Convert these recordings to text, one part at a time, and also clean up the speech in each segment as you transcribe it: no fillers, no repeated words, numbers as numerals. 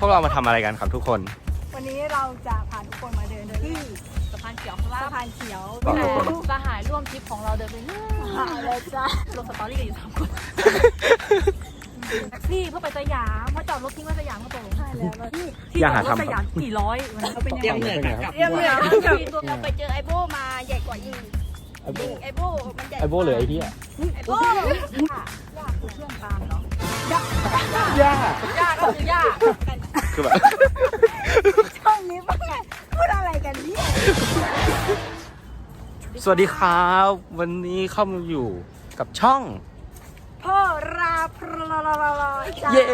วกเรามาทำอะไรกันครับทุกคนวันนี้เราจะพาทุกคนมาเดินที่สะพานเขียวครับสะพานเขียวบอกทุกคนสหายร่วมทริปของเราเดินไปเรื่อยหาเลยจ้าลงสตอรี่กันอยู่3 คนแท็กซี่เพื่อไปสยามเพราะจอดรถทิ้งไว้สยามก็ตรงใช่แล้วที่ที่จอดรถสยามกี่ร้อยวันนี้เขาเป็นยังเตรียมไงเหนื่อยกับเรียบเหนือตัวเราไปเจอไอโบมาใหญ่กว่าอีกไอโบมันใหญ่ไอโบเหลือไอเหี้ยไอโบย่าคือเพื่อนตามเหรอย่าย่าก็คือย่าคือแบบช่องนี้ป่ะไงพูดอะไรกันเนี่ยสวัสดีครับ วันนี้เข้ามาอยู่กับช่องพ่อราพรจ้าเย้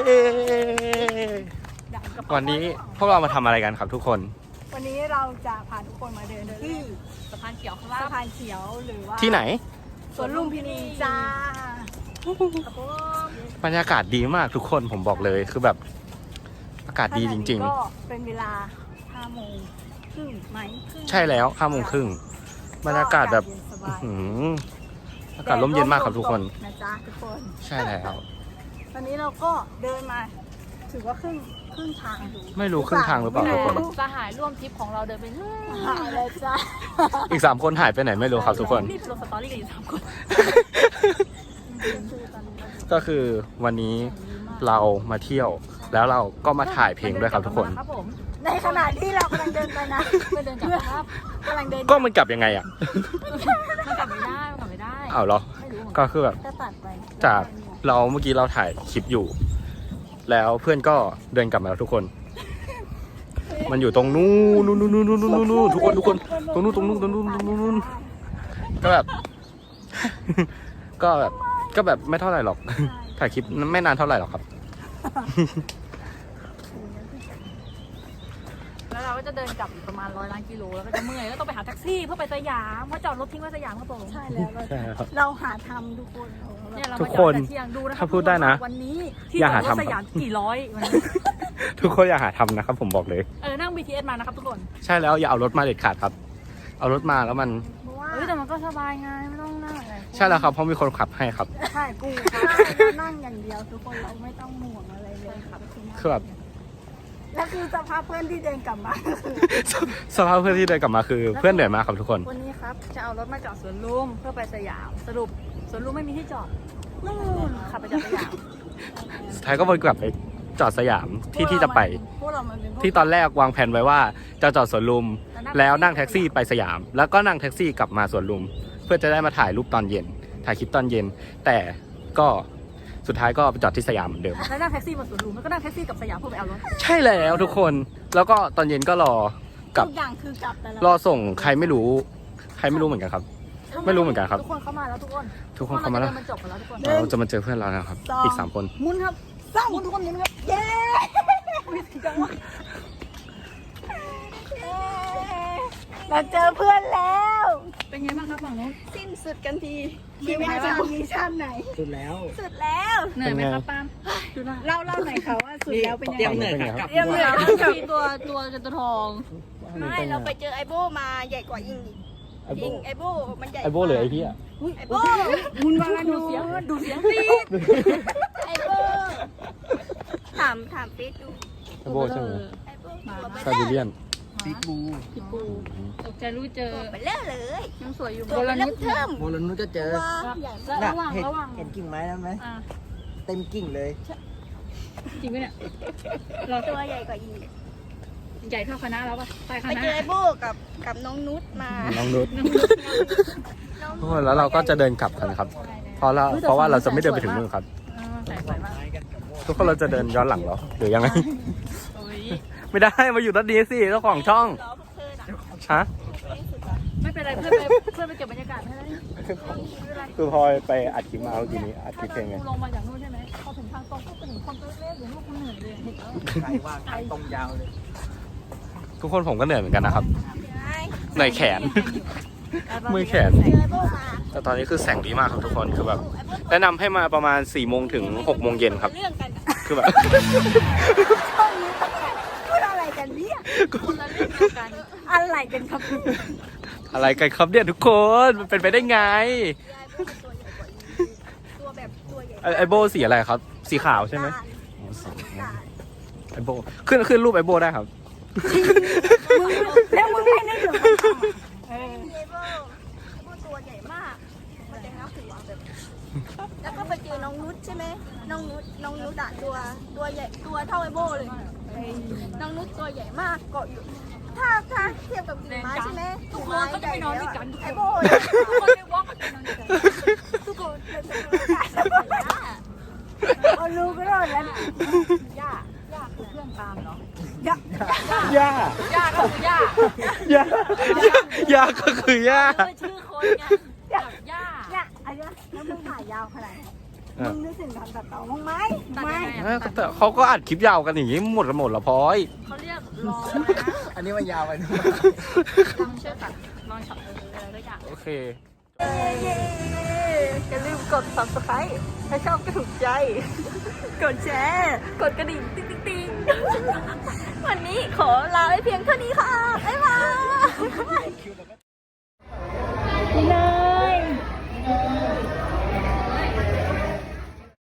วันนี้พวกเรามาทำอะไรกันครับทุกคนวันนี้เราจะพาทุกคนมาเดินที่สะพานเขียวครับสะพานเขียวหรือว่าที่ไหนสวนลุมพินีจ้าบรรยากาศดีมากทุกคนผมบอกเลยคือแบบอากาศดีจริงก็เป็นเวลา5 โมงครึ่งไหมๆ ใช่แล้ว5:30บรรยากาศแบบสบายหืมอากาศร่มเย็นมากครับทุกคนนะจ๊ะทุกคนใช่แล้วตอนนี้เราก็เดินมาถือว่าครึ่งทางไม่รู้ครึ่งทางหรือเปล่าทุกคนสหายร่วมทริปของเราเดินไปเรื่อยหาเลยจ้าอีก3 คนหายไปไหนไม่รู้ครับทุกคนรีบลงสตอรี่กันอยู่3 คนก็คือวันนี้เรามาเที่ยว แล้วเราก็มาถ่ายเพลงด้วยครับทุกคนครับผมในขณะที่เรากำลังเดินไปนะเพื่อนเดินกลับครับกำลังเดินก็มันกลับยังไงอ่ะมันกลับไม่ได้มันกลับไม่ได้อ้าวเหรอไม่รู้เหมือนกันก็คือแบบก็ตัดไปจากเราเมื่อกี้เราถ่ายคลิปอยู่ แล้วเพื่อนก็เดินกลับมาแล้วทุกคน มันอยู่ตรงนู้นทุกคนตรงนู้นก็แบบ ก็แบบไม่เท่าไหร่หรอก ถ่ายคลิปไม่นานเท่าไหร่หรอกครับแล้วเราก็จะเดินกลับอีกประมาณ100 ล้านกิโลแล้วก็จะเมื่อยแล้วต้องไปหาแท็กซี่เพื่อไปสยามเพราะจอดรถทิ้งไว้สยามก็ตรงใช่แล้วใช่ครับเราหาทำทุกคนเนี่ยเราทุมากคนจอดแต่เที่ยงดูนะครัถ้าพูดได้นะวันนี้ที่อย่าจอหาดรถทำสยามกี่ร้อยวันนี้ทุกคนอย่าหาทำนะครับผมบอกเลยนั่ง BTS มานะครับทุกคนใช่แล้วอย่าเอารถมาเด็ดขาดครับ เอารถมาแล้วมันเพราะว่าแต่มันก็สบายไงไม่ต้องนั่งอะไรใช่แล้วครับเพราะมีคนขับให้ครับใช่กูเรานั่งอย่างเดียวทุกคนเราไม่ต้องห่วงอะไรเลยครับคือแบบและคือสภาพเพื่อนที่เดินกลับมาสภาพเพื่อนที่เดินกลับมาคือเพื่อนเหนื่อยมากครับทุกคนวันนี้ครับจะเอารถมาจอดสวนลุมเพื่อไปสยามสรุปสวนลุมไม่มีที่จอดนู่นขับไปจอดสยามสุดท้ายก็วนกลับไปจอดสยามที่จะไปพวกเรามันเป็นพวกที่ตอนแรกวางแผนไว้ว่าจะจอดสวนลุม แล้วนั่งแท็กซี่ไปสยาม แล้วก็นั่งแท็กซี่กลับมาสวนลุม เพื่อจะได้มาถ่ายรูปตอนเย็น ถ่ายคลิปตอนเย็น แต่ก็สุดท้ายก็ไปจอดที่สยามเหมือนเดิมแล้วนั่งแท็กซี่มาสวนลุมแล้วก็นั่งแท็กซี่กลับสยามเพื่อไปเอารถใช่แล้วทุกคน แล้วก็ตอนเย็นก็รอกลับทุกอย่างคือกลับแต่ละรอส่งใครไม่รู้เหมือนกันครับ ไม่รู้เหมือนกันครับทุกคนเข้ามาแล้วทุกคนทุกคนเข้ามาแล้วมันจบไปแล้วทุกคนเราจะมาเจอเพื่อนเรานะครับ อีก3 คนมุนครับสร้างมุนทุกคนมุนครับเย้เราเจอเพื่อนแล้วเป็นไงบ้างครับฝั่งนู้นสิ้นสุดกันทีมีวิชามีชาติไหนสุดแล้วสุดแล้วเหนื่อยไหมครับปาล์มเล่าหน่อยค่ะว่าสุดแล้วเป็นยังเตรียมไงเหนื่อยกับเรียบเหนื่อยมีตัวจนตัวทองไม่เราไปเจอไอโบมาใหญ่กว่าอีกไอโบมันใหญ่ไอโบเหลือไอเหี้ยไอโบมุนวาลาดูดูเสียงดูเสียงสิไอโบถามเฟซดูไอโบใช่ไหมไอโบตัวเบซาบิเลียนบิ๊กบูพี่ปูตกใจรู้เจอเบลเลอร์เลยยังสวยอยู่ตัวเริ่มเทิมโมลนุก็เจอระหว่างเห็นกิ่งไม้แล้วไหมเต็มกิ่งเลยจริงไหมเนี่ยเราตัวใหญ่กว่าอีกใหญ่เท่าคณะแล้วป่ะไปคไปณะเจอไอโบกับน้องนุชมาน้องนุชทุกคนแล้วเราก็จะเดินกลับกันครับ เพราะว่าเราจะไม่เดินไปถึงนู่นครับใส่สวยมากทุกคนเราจะเดินย้อนหลังเหรอหรือยังไงโอ้ยไม่ได้มาอยู่ด้านนี้สิเจ้าของช่องล้อพวกเธอน่ะฮะไม่เป็นไรเพื่อนไปเก็บบรรยากาศให้แล้วนี่คือพลอยไปอัดคลิปมาเมื่อกี้นี้อัดคลิปเพลงไงลงมาจากนู่นใช่ไหมพอถึงทางตรงก็ไปถึงคอนเสิร์ตเล็กหรือลูกคุณเหนื่อยเลยใครว่าใครตรงยาวเลยทุกคนผมก็เหนื่อยเหมือนกันนะครับเหนื่อยแขน มือแขนเจอไอโบมาแต่ตอนนี้คือแสงดีมากครับทุกคนคือแบบแนะนำให้มาประมาณ4 โมงถึง6 โมงเย็นครับเรื่องกันคือแบบช่องนี้พูดอะไรกันเนี่ยคนละเรื่องเดียวกันอะไรกันครับอะไรกันครับเนี่ยทุกคนมันเป็นไปได้ไงตัวแบบตัวใหญ่ไอโบสีอะไรครับ สีขาวใช่ไหมตาลไอโบขึ้นรูปไอโบได้ครับแล้วมึงไม่นึกถึงไอโบตัวใหญ่มาก มันจะงับหัวแบบแล้วก็ไปเจอน้องนุชใช่ไหมน้องนุชอะตัวใหญ่ตัวเท่าไอโบเลย น้องนุชตัวใหญ่มากเกาะอยู่ ถ้าเทียบกับกิ่งไม้ใช่ไหมทุกคนก็จะไปนอนด้วยกันไอโบทุกคนไม่ว่างกันนอนด้วยกันทุกคนเอารู้ก็รอดแล้วย่าคือเพื่อนตามเหรอย่าย่าก็คือย่าย่าก็คือย่าคือชื่อคนไงแบบย่าเนี่ยอันเนี้ยแล้วมึงถ่ายยาวขนาดไหนมึงนึกถึงการตัดต่อมั้งไหมตัดไม่ยังไงอะแต่เขาก็อัดคลิปยาวกันอย่างนี้หมดละพลอยเขาเรียกรออันนี้มันยาวไปนะลองเชื่อตัดลองช็อตอะไรสักอย่างโอเคอย่าลืมกด subscribe ถ้าชอบก็ถูกใจ กดแชร์ กดกระดิ่งติ๊งวันนี้ขอลาไปเพียงเท่านี้ค่ะ บ๊ายบาย